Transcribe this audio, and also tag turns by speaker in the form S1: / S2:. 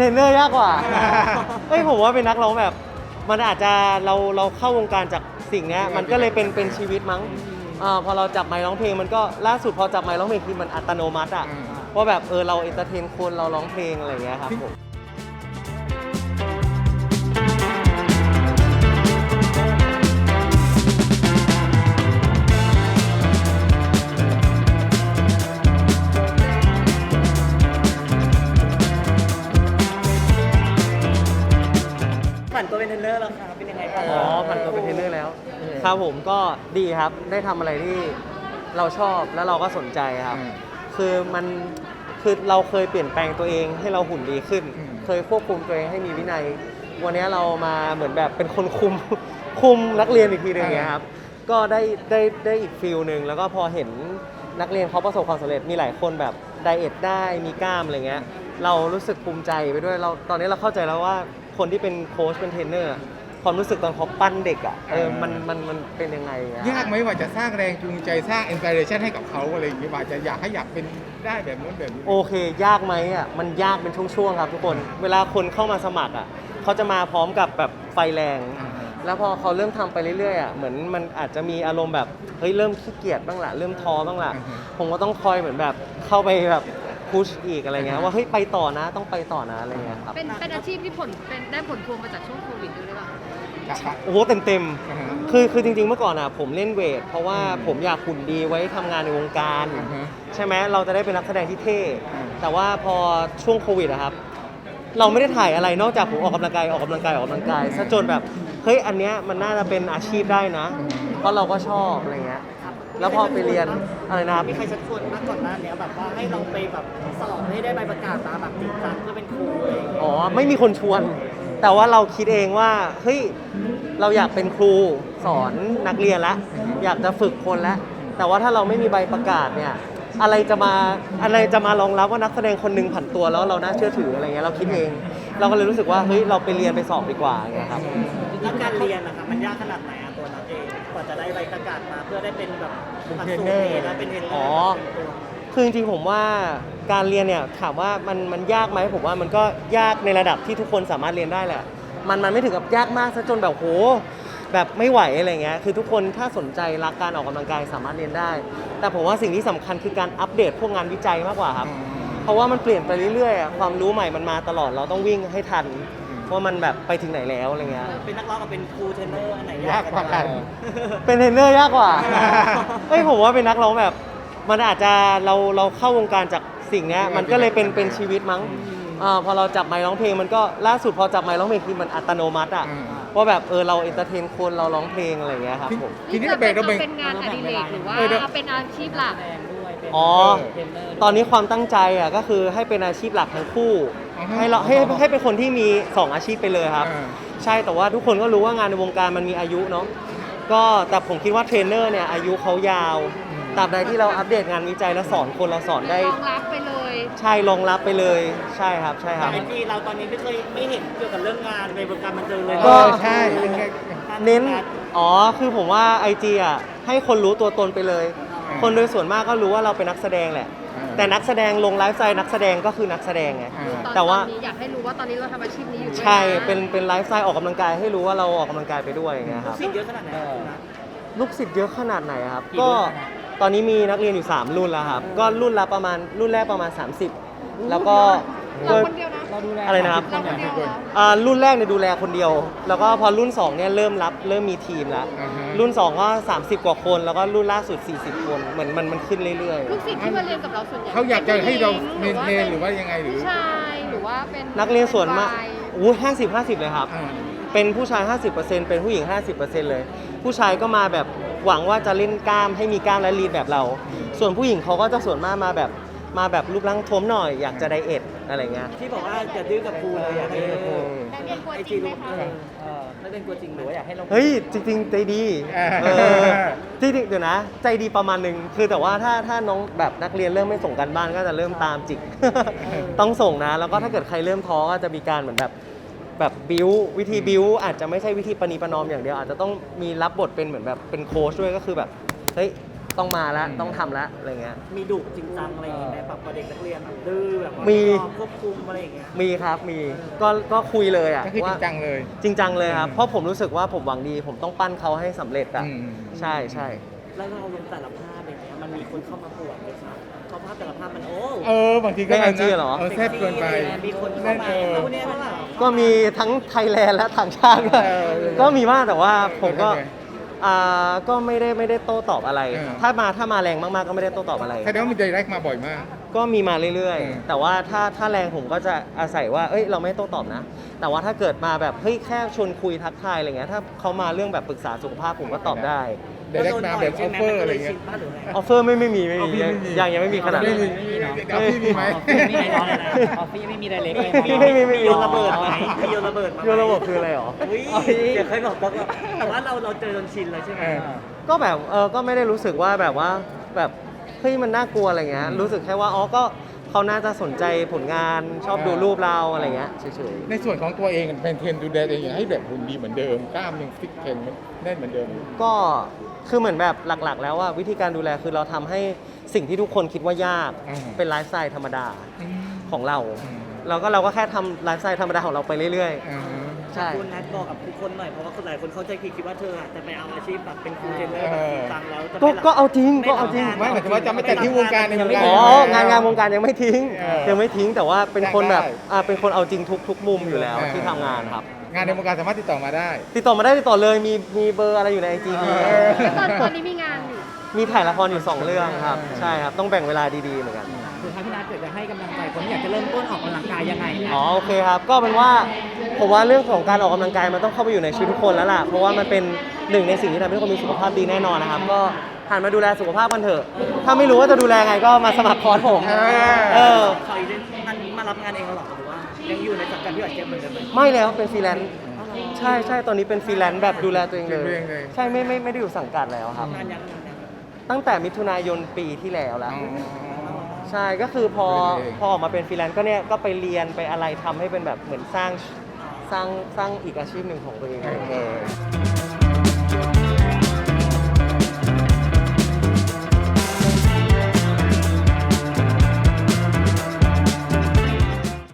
S1: เป็นเทรนเนอร์ยากกว่าเฮ้ยผมว่าเป็นนักร้องแบบมันอาจจะเราเข้าวงการจากสิ่งนี้มันก็เลยเป็นชีวิตมั้งพอเราจับไมค์ร้องเพลงมันก็ล่าสุดพอจับไมค์ร้องเพลงคือมันอัตโนมัติอ่ะว่าแบบเราเอนเตอร์เทนคนเราร้องเพลงอะไรอย่างเงี้ยครับผม
S2: ผ่านตัวเป็นเทรนเนอร์แล้วครับเป็นยังไงบ้าง
S1: ผ่านตัวเป็นเทรนเนอร์แล้วครับผมก็ดีครับได้ทำอะไรที่เราชอบแล้วเราก็สนใจครับคือเราเคยเปลี่ยนแปลงตัวเองให้เราหุ่นดีขึ้นเคยควบคุมตัวเองให้มีวินัยวันนี้เรามาเหมือนแบบเป็นคนคุมนักเรียนอีกทีนึงอย่างเงี้ยครับก็ได้อีกฟิลหนึ่งแล้วก็พอเห็นนักเรียนเขาประสบความสำเร็จมีหลายคนแบบไดเอทได้มีกล้ามอะไรเงี้ยเรารู้สึกภูมิใจไปด้วยตอนนี้เราเข้าใจแล้วว่าคนที่เป็นโค้ชเป็นเทรนเนอร์ความรู้สึกตอนเขาปั้นเด็กอ่ะมันเป็นยังไง
S3: ยากไหมว่าจะสร้างแรงจูงใจสร้างอินสปิเรชันให้กับเขาอะไรอย่างเงี้ยว่าจะอยากเป็นได้แบบนู้นแบบนี้
S1: โอเคยากไหมอ่ะมันยากเป็นช่วงๆครับทุกคนเวลาคนเข้ามาสมัครอ่ะเขาจะมาพร้อมกับแบบไฟแรงแล้วพอเขาเริ่มทำไปเรื่อยๆอ่ะเหมือนมันอาจจะมีอารมณ์แบบเฮ้ยเริ่มขี้เกียจบ้างละเริ่มท้อบ้างละผมก็ต้องคอยเหมือนแบบเข้าไปแบบพุชอีกอะไรเงี้ยว่าเฮ้ยไปต่อนะต้องไปต่อนะอะไรเงี้ยครับ
S4: เป็นอาชีพที่ได้ผลพวงมาจากช่วงโควิดด้วยหรือเปล่า
S1: โอ้โหเต็มคือจริงๆเมื่อก่อนอ่ะผมเล่นเวทเพราะว่าผมอยากหุ่นดีไว้ทำงานในวงการใช่ไหมเราจะได้เป็นนักแสดงที่เท่แต่ว่าพอช่วงโควิดอะครับเราไม่ได้ถ่ายอะไรนอกจากผมออกกำลังกายซะจนแบบเฮ้ยอันเนี้ยมันน่าจะเป็นอาชีพได้นะเพราะเราก็ชอบอะไรเงี้ยแล้วพอไปเรียนอะไรนะครับ
S2: มีใครชักชวนมาก่อนหน้านี้แบบว่าให้เราไปแบบสอบให้ได้ใบประกาศมาแบบจริงจังเพื่อเป็นครูอะไรอย่างเงี้ย
S1: อ๋อไม่มีคนชวนแต่ว่าเราคิดเองว่าเฮ้ยเราอยากเป็นครูสอนนักเรียนแล้วอยากจะฝึกคนแล้วแต่ว่าถ้าเราไม่มีใบประกาศเนี่ยอะไรจะมารองรับว่านักแสดงคนหนึ่งผันตัวแล้วเราน่าเชื่อถืออะไรเงี้ยเราคิดเองเราก็เลยรู้สึกว่าเฮ้ยเราไปเรียนไปสอบดีกว่าไงครับ
S2: แล้วการเรียนนะคะมันยากขนาดไหนอะตัวนักเองกว่าจะได้ใบประกาศมาเพื่อได้เป็นแบบ
S3: เทรนเนอร์
S2: แล้วเป็นเทรนเนอร์
S1: อ๋อคือจริงๆผมว่าการเรียนเนี่ยถามว่ามันยากไหมผมว่ามันก็ยากในระดับที่ทุกคนสามารถเรียนได้แหละมันไม่ถึงกับยากมากซะจนแบบโหแบบไม่ไหวอะไรเงี้ยคือทุกคนถ้าสนใจรักการออกกำลังกายสามารถเรียนได้แต่ผมว่าสิ่งที่สำคัญคือการอัปเดตพวกงานวิจัยมากกว่าครับเพราะว่ามันเปลี่ยนไปเรื่อยๆความรู้ใหม่มันมาตลอดเราต้องวิ่งให้ทันว่ามันแบบไปถึงไหนแล้วอะไรเงี้ย
S2: เป็นนักร้องกับเป็นครูเทรนเนอร์อันไหน
S3: ยากกว่ากัน
S1: เป็นเทรนเนอร์ยากกว่าเฮ้ยผมว่าเป็นนักร้องแบบมันอาจจะเราเข้าวงการจากสิ่งนี้มันก็เลยเป็นชีวิตมั้งพอเราจับไมค์ร้องเพลงมันก็ล่าสุดพอจับไมค์ร้องเพลงคือมันอัตโนมัติอ่ะว่าแบบเราเอนเตอร์เทนคนเราร้องเพลงอะไรอย่างเงี้ยครับผม
S4: ทีนี้เป็นงานอดิเรกหรือว่าเป็นอาชีพหลัก
S1: อ๋อตอนนี้ความตั้งใจอ่ะก็คือให้เป็นอาชีพหลักทั้งคู่ให้เป็นคนที่มี2อาชีพไปเลยครับใช่แต่ว่าทุกคนก็รู้ว่างานในวงการมันมีอายุเนาะก็แต่ผมคิดว่าเทรนเนอร์เนี่ยอายุเขายาวตราบใดที่เราอัปเดตงานวิจัยแล้วสอนคนเราสอนได้
S4: รองรับไปเลย
S1: ใช่รองรับไปเลยใช่ครับ
S2: แต่ไอจีเราตอนนี้ไม่เห็นเกี่ยวกับเรื่องงานในวงการบันเทิงเลย
S1: ก็
S3: ใช่
S1: เน้นคือผมว่า IG อ่ะให้คนรู้ตัวตนไปเลยคนโดยส่วนมากก็รู้ว่าเราเป็นนักแสดงแหละแต่นักแสดงลงไลฟ์สไตล์นักแสดงก็คือนักแสดงไงแต่ว่า
S4: อยากให้รู้ว่าตอนนี้เราทำอาชีพนี้อยู่
S1: ใช่เป็นไลฟ์สไตล์ออกกำลังกายให้รู้ว่าเราออกกำลังกายไปด้วยอย่างเงี้ยครับ
S2: ลูกศิษย์เยอะขนาดไหน
S1: ลูกศิษย์เยอะขนาดไหนครับก็ตอนนี้มีนักเรียนอยู่3รุ่นแล้วครับก็รุ่นแรกประมาณ30แล้วก็
S4: เราคนเดียวนะ
S1: อะไรนะครับรุ่นแรกเนี่ยดูแลคนเดียวแล้วก็พอรุ่น2เนี่ยเริ่มมีทีมแล้วรุ่น2ก็30กว่าคนแล้วก็รุ่นล่าสุด40คนเหมือนมันขึ้นเรื่อย
S4: ๆลูกศิษย์ที่มาเรียนกับเราส่วนใหญ่
S3: เขาอยากจะให้เราเมนเทนหรือว่ายังไงหรือ
S4: ใช่หรือว่าเป็น
S1: นักเรียนส่วนมาก50เลยครับเป็นผู้ชาย 50% เป็นผู้หญิง 50% เลยผู้ชายก็มาแบบหวังว่าจะเล่นกล้ามให้มีกล้ามและลีนแบบเราส่วนผู้หญิงเขาก็จะส่วนมากมาแบบรูปร่างท้วมหน่อยอยากจะไดเอทอะไรเงี้ย
S2: ที่บอกว่าจะดื้อกับครูเลยอยากให้
S4: ไอจีรู้
S2: ไม่เป็นกลัวจริงหรือว่าอยากให้เรา
S1: เฮ้ยจริงๆใจดีจริงๆเดี๋ยวนะใจดีประมาณนึงคือแต่ว่าถ้าน้องแบบนักเรียนเริ่มไม่ส่งกันบ้านก็จะเริ่มตามจิกต้องส่งนะแล้วก็ถ้าเกิดใครเริ่มท้อก็จะมีการเหมือนแบบบิ้ววิธีบิ้วอาจจะไม่ใช่วิธีประนีประนอมอย่างเดียวอาจจะต้องมีรับบทเป็นเหมือนแบบเป็นโค้ชด้วยก็คือแบบเฮ้ยต้องมาแล้วต้องทำแล้วอะไรเงี้ย
S2: มีดุจริงจังอะไรอย่างเงี้ยไหมแบบเด็กนักเรียนแบบดื้อแบบว่า
S1: มี
S2: ควบคุมอะไรอย่างเงี้ย
S1: มีครับมีก็คุยเลยอ่ะ
S3: ก็คือจริ
S1: ว่าง
S3: จังเลย
S1: จริงจังเลยครับเพราะผมรู้สึกว่าผมหวังดี ผมต้องปั้นเขาให้สำเร็จอ่ะ
S3: อืม
S1: ใช่ใช่
S2: แล้วเราลงแต่ละภาพอย่างเงี้ยมันมีคนเข้ามาปวดไหมครับเพราะภาพแต่ละภาพมันโอ้
S3: บางทีก็
S1: ใน IG เหรอ
S3: แซ่บเกินไป
S2: มีคนเข้ามาเอาเนี่ยเท่าไหร่
S1: ก็มีทั้งไทยแลนด์และต่างชาติด้วย
S3: เออ
S1: ก็มีมากแต่ว่าผมก็
S3: เออ
S1: ก็ไม่ได้โต้ตอบอะไร
S3: เออ
S1: ถ้ามาแรงมากๆก็ไม่ได้โต้ตอบอะไร
S3: แสดงว่ามีไดเรกมาบ่อยมาก
S1: ก็มีมาเรื่อย
S3: อืม
S1: ๆ แต่ว่าถ้าแรงผมก็จะอาศัยว่าเอ้ยเราไม่โต้ตอบนะ แต่ว่าถ้าเกิดมาแบบเฮ้ยแค่ชวนคุยทักทายอะไรเงี้ยถ้าเขามาเรื่องแบบปรึกษาสุขภาพผมก็ตอบได้
S3: ไดเรกมาแบบออฟเฟอร์อะไรเงี้ย
S1: ออฟเฟอร์ไม่มี
S3: อ๋อพี่ไม่มี
S1: ยังไม่มีขนาด
S3: ไม่
S1: นั้น
S3: มีเอาพี่มีไหม
S2: มีไหนน้อยเลยนะออฟฟี่ไม่มีไดเรกเลย
S1: ไม่
S2: โยนระเบิดไหมมีโยนระเบิดมาไหม
S1: โยนระบบคืออะไรหรอ
S2: อุ้ยเดี๋ยวเคยบอกบอกว่าแต่ว่าเราเจอจนชินแล้วใช่ไหม
S1: ก็แบบก็ไม่ได้รู้สึกว่าแบบเฮ้ยมันน่ากลัวอะไรเงี้ยรู้สึกแค่ว่าก็เขาน่าจะสนใจผลงานชอบดูรูปเราอะไรเงี้ยเฉย
S3: ในส่วนของตัวเองเป็นเทรนดูแลตัวเองให้แบบหุ่นดีเหมือนเดิมกล้ามยังฟิตเทรนแน่นเหมือนเดิม
S1: ๆก็คือเหมือนแบบหลักๆ แล้วว่าวิธีการดูแลคือเราทำให้สิ่งที่ทุกคนคิดว่ายาก
S3: อืม
S1: เป็นไลฟ์สไตล์ธรรมดา
S3: อืม
S1: ของเรา
S3: อืม
S1: เราก็แค่ทำไลฟ์สไตล์ธรรมดาของเราไปเรื่อย
S3: อ่า
S1: ๆ ใช่
S2: คุณนัทบอกกับทุกคนหน่อยเพราะว่าคนหลายคนเข้าใจผิดคิดว่าเธอจะไปเอาอาชีพแบบเป็นครูเทรนเนอร์แบบจริงจังแล้วจะ
S1: ก็เอาจริงก็เอาจริง
S3: ไม่หมายถึงว่าจะไม่ตัดทิ้งวงการในวงการ
S1: อ๋องานวงการยังไม่ทิ้ง
S3: เออ
S1: ยังไม่ทิ้งแต่ว่าเป็นคนแบบ
S3: ได้
S1: เป็นคนเอาจริงทุกมุมอยู่แล้วที่ทำงานครับ
S3: งานในวงการสามารถติดต่อมาได้
S1: ติดต่อมาได้ติดต่อเลยมีเบอร์อะไรอยู่ในไอจี
S3: เออ
S4: ตอนนี้มีงานอยู่
S1: มีถ่ายละครอยู่ 2 เรื่องครับ ใช่ครับ ต้องแบ่งเวลาดีๆเหมือนกัน
S2: คือถ้าพี่นัทเกิดจะให้กำลังใจคนที่อยากจะเริ่มต้นออกกำลังกายยังไงนะ
S1: อ๋อโอเคครับ ก็เป็นว่าผมว่าเรื่องของการออกกำลังกายมันต้องเข้าไปอยู่ในชีวิตทุกคนแล้วล่ะ เพราะว่ามันเป็นหนึ่งในสิ่งที่ทำให้ทุกคนมีสุขภาพดีแน่นอนนะครับ ก็หันมาดูแลสุขภาพกันเถอะ ถ้าไม่รู้ว่าจะดูแลไงก็มาสมัครคอร์สผม เออ
S2: เขาอีกท่านมารับงานเองแล้วหรอหรือว่ายังอยู่ในสังกัดพี่อัดเจมเหมือนเดิมไหม
S1: ไม่แล้วเป็นฟรีแลนซ์ใช่ตอนนี้เป็นฟรีแลนซ์แบบดูแลตัวเองเล
S3: ดูแลตัวเองเลย
S1: ย ใช่ไม่ได้อยู่สังกัดแล้วครับ
S2: งานยัง
S1: ตั้งแต่มิถุนายนปีที่แล้วแล้ว
S3: อ๋อ
S1: ใช่ก็คือพอ
S3: ดูแลตัวเอง
S1: ออกมาเป็นฟรีแลนซ์ก็เนี่ยก็ไปเรียนไปอะไรทำให้เป็นแบบเหมือนสร้างอีกอาชีพหนึ่งของตัวเอง
S3: เออ